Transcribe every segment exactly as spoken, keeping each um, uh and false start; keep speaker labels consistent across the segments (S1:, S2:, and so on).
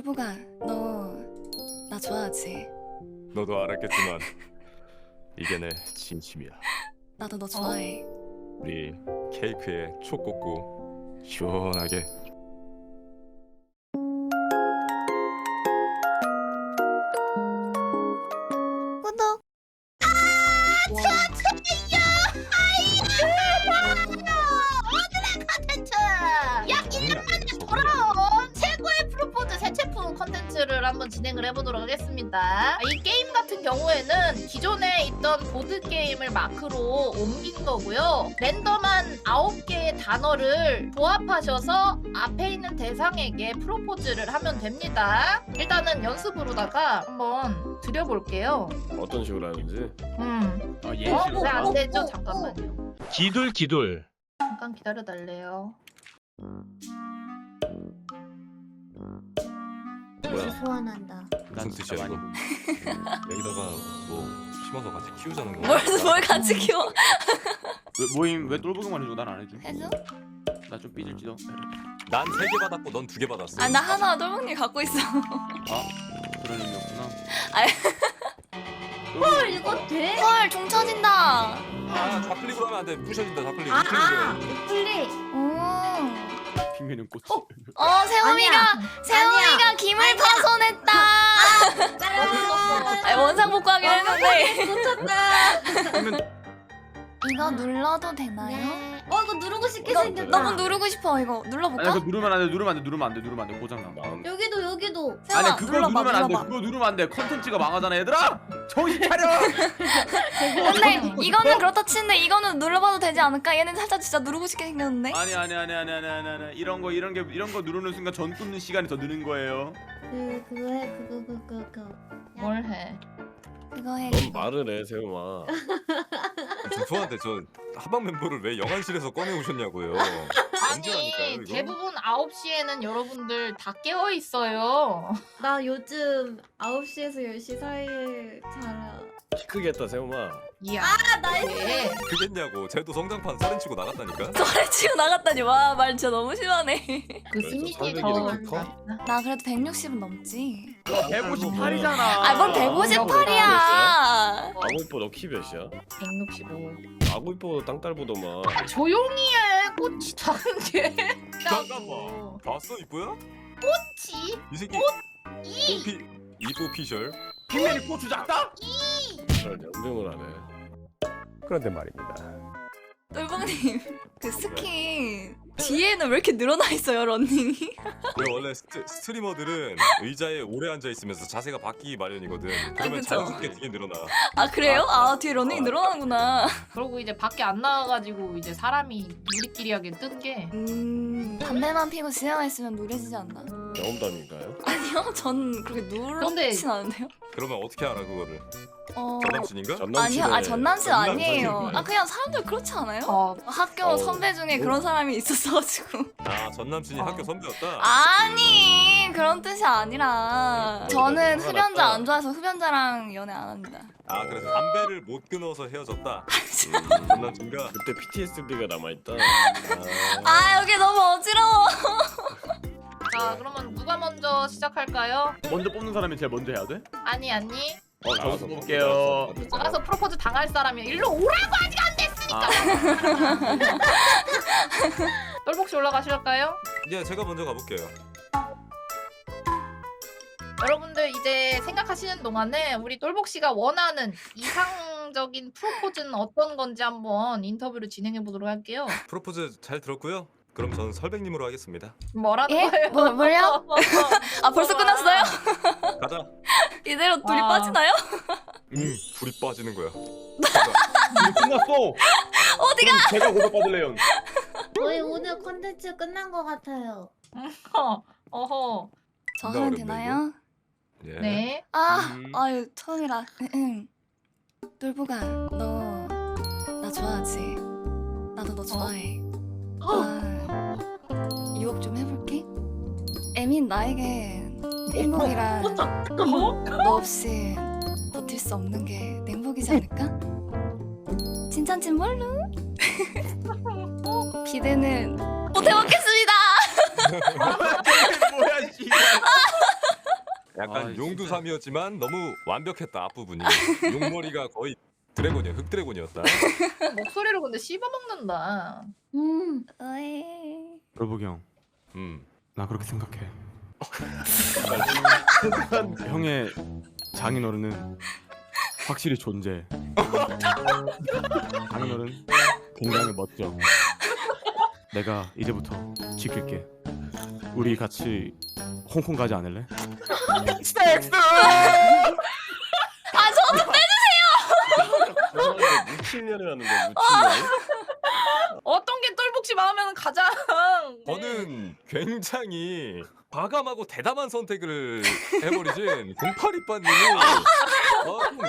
S1: 똘보가 너 나 좋아하지?
S2: 너도 알았겠지만 이게 내 진심이야.
S1: 나도 너 좋아해.
S2: 우리 케이크에 초 꽂고 시원하게.
S1: 구독.
S3: 오늘의 컨텐츠! 약 일 년 만에 돌아온 최고의 프로포즈 새 제품 컨텐츠를 한번 진행을 해보도록 하겠습니다. 이 게임 같은 경우에는 기존에 있던 보드게임을 마크로 옮긴 거고요. 랜덤한 아홉 개의 단어를 조합하셔서 앞에 있는 대상에게 프로포즈를 하면 됩니다. 일단은 연습으로다가 한번 드려볼게요.
S4: 어떤 식으로 하는지.
S3: 음.
S4: 아,
S3: 어?
S4: 예시로.
S3: 왜 안 되죠? 잠깐만요.
S4: 기둘 기둘.
S3: 잠깐 기다려달래요.
S2: 뭐야?
S5: 소환한다.
S2: 무슨 뜻이야 이거? 여기다가 뭐 심어서 같이 키우자는 건가?
S1: 뭘, 뭘 같이 키워?
S6: 왜 모임 왜 똘보기만 해주고 난 안 해줘?
S1: 해줘?
S6: 나 좀 삐질지도.
S2: 난 세 개 받았고 넌 두 개 받았어.
S1: 아 나 하나 똘보님 갖고 있어.
S6: 아 그런 의미였구나.
S5: 헐 이거 돼?
S1: 헐 종 쳐진다.
S2: 아 좌클릭으로 하면 안 돼. 부셔진다 좌클릭.
S5: 아,
S2: 우클릭으로
S5: 아,
S2: 해.
S5: 우클릭.
S1: 오.
S6: 핑계는 꽃이.
S1: 어 세롬이가
S5: 아니야.
S1: 세롬이가 김을 파손했다.
S5: 짜란.
S1: 아니, 원상 복구하긴 했는데.
S5: 놓쳤다.
S1: 이거 눌러도 되나요?
S5: 네. 어 이거 누르고 싶게
S1: 이거
S5: 생겼다.
S1: 너무 누르고 싶어. 이거
S6: 아니
S1: 눌러볼까?
S6: 그거 누르면 안 돼. 누르면 안 돼. 누르면 안 돼. 누르면 안 돼. 누르면 안 돼. 고장 나.
S5: 여기도 여기도.
S1: 세롬아,
S6: 아니 그거
S1: 눌러봐,
S6: 누르면 안 돼.
S1: 눌러봐.
S6: 그거 누르면 안 돼. 컨텐츠가 망하잖아 얘들아. 정신 차려.
S1: 근데 이거는 그렇다 치는데 이거는 눌러봐도 되지 않을까? 얘는 살짝 진짜 누르고 싶게 생겼는데?
S6: 아니 아니 아니 아니 아니 아니 아니 이런 거 이런 게 이런 거 누르는 순간 전 끊는 시간이 더 느는 거예요.
S5: 그 그거 해 그거 그거 그거.
S3: 뭘 해?
S1: 그거 해.
S4: 넌 말을 해 세우마.
S2: 죄송한데 저 하방 멤버를 왜 영안실에서 꺼내 오셨냐고요.
S3: 아니
S2: 이거?
S3: 대부분 아홉 시에는 여러분들 다 깨어 있어요.
S5: 나 요즘 아홉 시에서 열 시 사이에 자라.
S4: 키 크겠다 세우마.
S3: 이야.
S5: 아 나이스.
S3: 네.
S2: 그겠냐고. 쟤도 성장판 살인치고 나갔다니까.
S1: 소리 치고 나갔다니 와 말 진짜 너무 심하네.
S3: 그
S4: 왜, 저
S3: 이미지
S4: 설득이
S3: 더
S4: 이렇게 커?
S1: 나 그래도 백육십은 넘지.
S6: 백오십팔이잖아.
S1: 아 뭔 백오십팔이야.
S4: 아구이뻐 너 키 몇이야?
S3: 백육십오.
S4: 아구이뻐 땅딸보더만.
S3: 조용히 해. 꽃이 다른데.
S2: 잠깐만. 봤어 이쁘야?
S3: 꽃이
S2: 이 새끼.
S3: 이
S2: 뽀피 이뽀 피셜.
S6: 핑계는 고추 작다?
S4: 그런 연병을 하네. 그런데 말입니다.
S1: 똘봉님 그 스킨 뒤에는 왜 이렇게 늘어나 있어요 런닝이?
S2: 왜 원래 스트, 스트리머들은 의자에 오래 앉아 있으면서 자세가 바뀌기 마련이거든. 그러면
S1: 그쵸.
S2: 자연스럽게 뒤에 늘어나.
S1: 아 그래요? 아 뒤에 런닝이 늘어나는구나.
S3: 그러고 이제 밖에 안 나와가지고 이제 사람이 우리끼리 하게 뜬 게.
S1: 음 담배만 피고 집에만 있으면 누래지지 않나?
S4: 경험담인가요?
S1: 아니요 전 그렇게 누렇진 않은데요.
S2: 그러면 어떻게 알아 그거를?
S1: 어
S2: 전남친인가?
S1: 아니요 아 전남친
S2: 전남친.
S1: 아니에요. 아 그냥 사람들 그렇지 않아요?
S3: 어.
S1: 학교
S4: 어.
S1: 선배 중에 그런 사람이 있었어가지고.
S2: 아 전남친이
S3: 어.
S2: 학교 선배였다?
S1: 아니 그런 뜻이 아니라 저는
S4: 화가
S1: 흡연자
S4: 났다.
S1: 안 좋아해서 흡연자랑 연애 안 합니다.
S2: 아 그래서 담배를 못 끊어서 헤어졌다? 음, 전남친과?
S4: 그때 피티에스디가 남아있다.
S1: 아 여기 너무 어지러워.
S3: 자 그러면 누가 먼저 시작할까요?
S6: 먼저 뽑는 사람이 제일 먼저 해야 돼?
S3: 아니 아니.
S6: 어 저부터 뽑을게요.
S3: 나가서 프로포즈 당할 사람이야. 일로 오라고 아직 안 됐으니까. 똘복씨 올라가실까요?
S2: 예 제가 먼저 가볼게요.
S3: 여러분들 이제 생각하시는 동안에 우리 똘복씨가 원하는 이상적인 프로포즈는 어떤 건지 한번 인터뷰를 진행해 보도록 할게요.
S2: 프로포즈 잘 들었고요. 그럼 저는 설백님으로 하겠습니다.
S3: 뭐라는
S1: 예?
S3: 거예요?
S1: 뭐, 뭘요? 아 벌써 끝났어요?
S2: 가자.
S1: 이대로 둘이
S3: 와.
S1: 빠지나요?
S2: 음 불이 빠지는 거야.
S6: 이제 끝났어.
S1: 어디가?
S6: 그럼 제가 고백 받을래요.
S5: 저희 오늘 컨텐츠 끝난 것 같아요.
S3: 어, 어허.
S1: 저
S2: 존나
S1: 하면
S2: 어렵네,
S1: 되나요?
S2: 예.
S3: 네.
S1: 아
S6: 음.
S1: 아유 처음이라. 똘보가 너 나 좋아하지? 나도 너 좋아해. 아, 유혹 좀 해볼게. 애민 나에게 행복이란 너 없이 버틸 수 없는 게 행복이지 않을까? 진짠진 뭘로? 기대는 못 해먹겠습니다.
S6: 뭐야 씨.
S2: 약간
S6: 아,
S2: 용두삼이었지만 너무 완벽했다 앞부분이. 용머리가 거의 드래곤이야 흑드래곤이었다.
S3: 목소리로 근데 씹어먹는다.
S5: 음.
S1: 어이.
S6: rol보기 형,
S2: 음.
S6: 나 그렇게 생각해. 형의 장인어른은 확실히 존재. 장인어른 굉장히 멋져. 내가 이제부터 지킬게. 우리 같이 홍콩 가지 않을래? 섹스!
S1: 아 저도
S4: 무친년이라는데 무친년.
S3: 어떤 게 똘복지 마음에는 가장
S2: 저는 굉장히 과감하고 대담한 선택을 해버리신 공팔이빠님이 어, 좀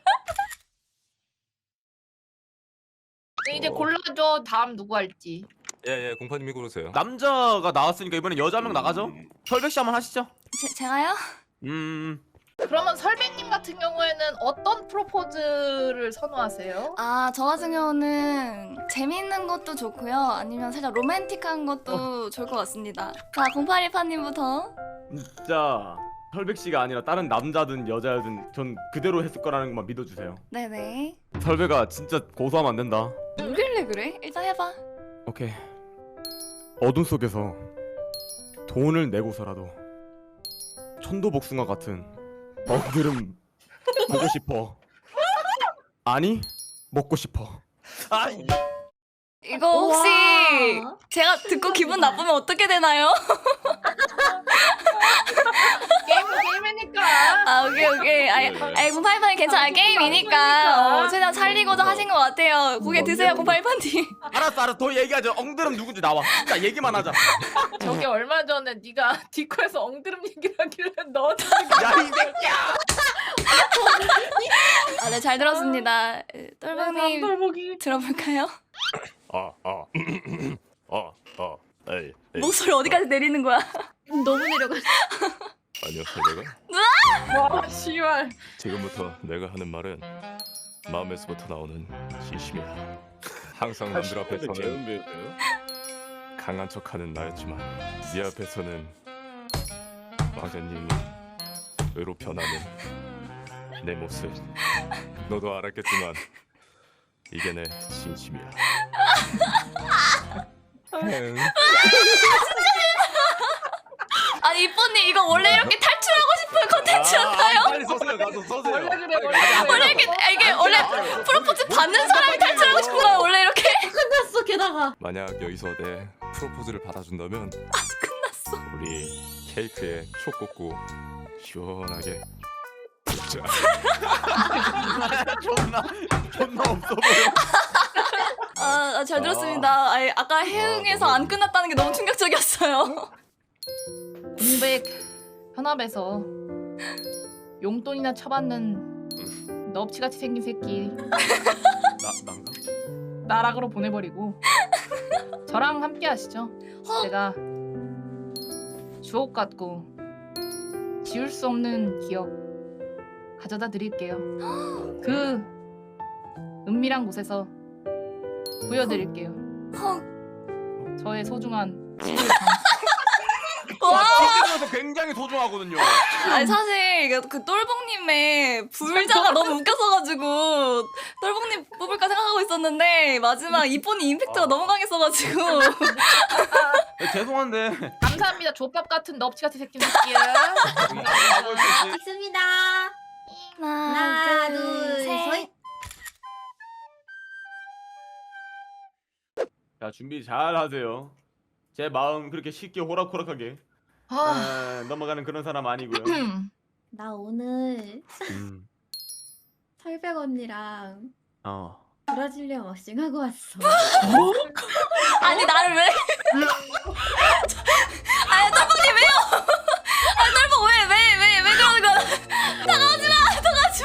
S3: 네, 이제 골라줘. 다음 누구 할지.
S2: 예예 공파님이 고르세요.
S6: 남자가 나왔으니까 이번엔 여자 한 명 나가죠? 설백 씨 한번 하시죠.
S1: 제, 제가요?
S6: 음.
S3: 그러면 설백님 같은 경우에는 어떤 프로포즈를 선호하세요?
S1: 아, 저 같은 경우는 재밌는 것도 좋고요. 아니면 살짝 로맨틱한 것도 좋을 것 같습니다. 자, 공팔일파님부터.
S6: 진짜 설백 씨가 아니라 다른 남자든 여자든 전 그대로 했을 거라는 것만 믿어주세요.
S1: 네네.
S6: 설백아 진짜 고소하면 안 된다.
S1: 뭐길래 그래? 일단 해봐.
S6: 오케이. 어둠 속에서 돈을 내고서라도 천도복숭아 같은 먹드름 보고 싶어. 아니 먹고 싶어. 아니.
S1: 이거 혹시
S5: 우와.
S1: 제가 듣고 기분 나쁘면 어떻게 되나요?
S3: 게임은 게임이니까.
S1: 아, 오케이, 오케이. 아이, 아이 공팔일파님 괜찮아요. 게임이니까. 어, 최대한 살리고자 하신 것 같아요. 고개 드세요, 공팔일파님.
S6: 알았어 알았어 더 얘기하자. 엉드름 누군지 나와. 진짜 얘기만 하자.
S3: 저게 얼마 전에 네가 디코에서 엉드름 얘기를 하길래 너
S6: 야 이 새끼야.
S1: 아, 네, 잘 들었습니다. 똘봉님
S3: 똘복이
S1: 들어볼까요?
S2: 아, 아, 아, 아, 에이, 에이.
S1: 목소리 어디까지 내리는 거야?
S5: 너무 내려갔어.
S2: 안녕하세요, 내가.
S3: 와 씨발.
S2: 지금부터 내가 하는 말은 마음에서부터 나오는 진심이야. 항상 남들 앞에서는
S4: 재운비였어요?
S2: 강한 척하는 나였지만 네 앞에서는 왕자님이 의로 변하는 내 모습. 너도 알았겠지만 이게 내 진심이야. 응.
S1: 아니, 이쁜님 이거 원래 이렇게 탈출하고 싶은 컨텐츠였나요?
S2: 아, 빨리 써세요. 가서 써세요.
S3: 원래 그래,
S2: 빨리
S3: 원래
S2: 가서
S3: 그래.
S1: 원래 이렇게 아, 이게 원래 프로포즈 받는 사람이 탈출하고 싶은 거야 원래 이렇게?
S5: 끝났어 게다가.
S2: 만약 여기서 내 프로포즈를 받아준다면
S1: 끝났어.
S2: 우리 케이크에 초 꽂고 시원하게 먹자.
S6: 존나 존나 없어 보여.
S1: 아, 아, 잘 들었습니다. 아니, 아까 해응에서
S2: 너무-
S1: 안 끝났다는 게 너무 충격적이었어요.
S3: 공백 현업에서 용돈이나 쳐받는 넙치같이 생긴 새끼
S6: 나 난가?
S3: 나락으로 보내버리고 저랑 함께 하시죠.
S1: 헉.
S3: 제가 주옥 같고 지울 수 없는 기억 가져다 드릴게요. 그 은밀한 곳에서 보여드릴게요.
S1: 헉.
S3: 저의 소중한
S1: 와.
S6: 지금에서 굉장히 소중하거든요.
S1: 아니 사실 이게 그 똘봉님의 불자가 너무 웃겼어가지고 똘봉님 뽑을까 생각하고 있었는데 마지막 이쁜이 임팩트가 너무 강했어가지고.
S6: 네, 죄송한데.
S3: 감사합니다. 족밥 같은 넙치같이 생긴 새끼야.
S5: 있습니다.
S1: 하나,
S5: 하나,
S1: 둘,
S5: 둘,
S1: 셋.
S5: 셋.
S6: 자 준비 잘 하세요. 제 마음 그렇게 쉽게 호락호락하게
S3: 아,
S6: 에, 넘어가는 그런 사람 아니고요.
S5: 나 오늘
S6: 음.
S5: 설백 언니랑
S6: 어.
S5: 브라질리아 왁싱 하고 왔어.
S1: 아니 나를 왜? 아니 똘봉님 왜요? 아니 똘봉 왜왜왜왜 왜 그러는 거야? 다가오지 마, 다가오지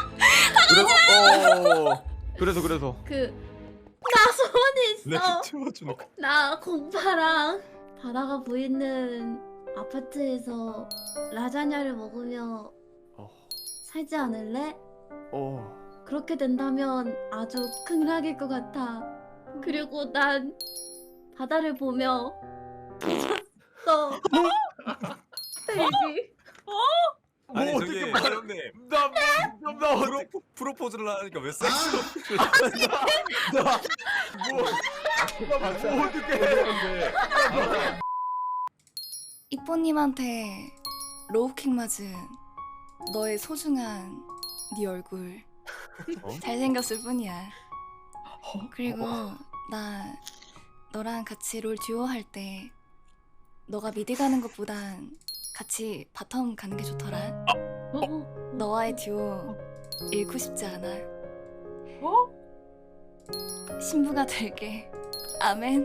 S1: 마.
S6: 그래서 어. 그래서 그래서
S5: 그 나 소원이
S2: 내
S5: 있어.
S2: 채워주는 거.
S5: 나 공파랑 바다가 보이는 아파트에서 라자냐를 먹으며
S6: 어.
S5: 살지 않을래?
S6: 어.
S5: 그렇게 된다면 아주 극락일 것 같아. 그리고 난 바다를 보며 미쳤어. 베이비.
S2: 아니
S6: 뭐
S2: 저기
S6: 어떻게 말-
S2: 형님
S6: 나뭐나
S2: 프로 프로포즈를 하니까 왜 섹스로?
S6: 뭐 어떻게 해?
S1: 이뽀님한테 로우킥 맞은 너의 소중한 네 얼굴
S6: 어?
S1: 잘생겼을 뿐이야. 그리고 나 너랑 같이 롤 듀오 할 때 너가 미드 가는 것보단 같이 바텀 가는 게 좋더라.
S5: 어?
S1: 너와의 듀오 잃고 싶지 않아.
S3: 어?
S1: 신부가 될게. 아멘.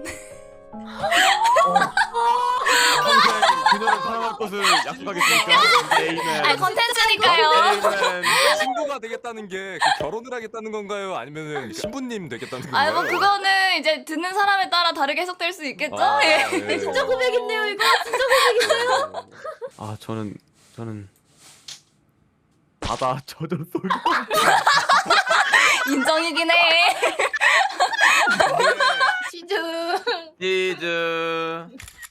S6: 평생 그녀를 사랑할 것을 약속하겠습니까? 에이맨.
S1: 아 컨텐츠니까요.
S6: 에이맨.
S2: 신부가 되겠다는 게그 결혼을 하겠다는 건가요? 아니면은 신부님 되겠다는 건가요?
S1: 아니 뭐 그거는 이제 듣는 사람에 따라 다르게 해석될 수 있겠죠?
S2: 아,
S1: 예.
S2: 네.
S5: 진짜 고백인데요 이거? 진짜 고백인데요?
S6: 아 저는 저는 바다 젖었어요.
S1: 인정이긴 해.
S3: 시즌.
S6: 치즈.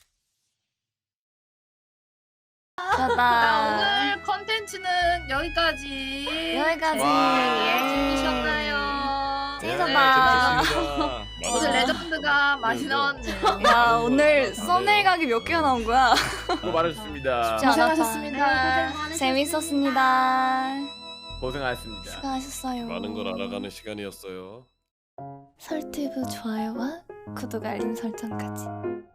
S3: 자,
S1: 좋다.
S3: 오늘 컨텐츠는 여기까지.
S1: 여기까지.
S6: 와.
S1: 예.
S3: 재밌으셨나요?
S2: 네,
S1: 재밌었다.
S2: 재밌었습니다.
S3: 오늘 레전드가 많이 나왔네요.
S1: 야 오늘 썸네일 각이 몇 개가 나온 거야?
S6: 수고 많으셨습니다.
S1: 쉽지 않았다.
S3: 고생하셨습니다.
S1: 재밌었습니다.
S6: 고생하셨습니다.
S1: 수고하셨어요.
S4: 많은 걸 알아가는 시간이었어요.
S1: 설티브 좋아요와 구독 알림 설정까지.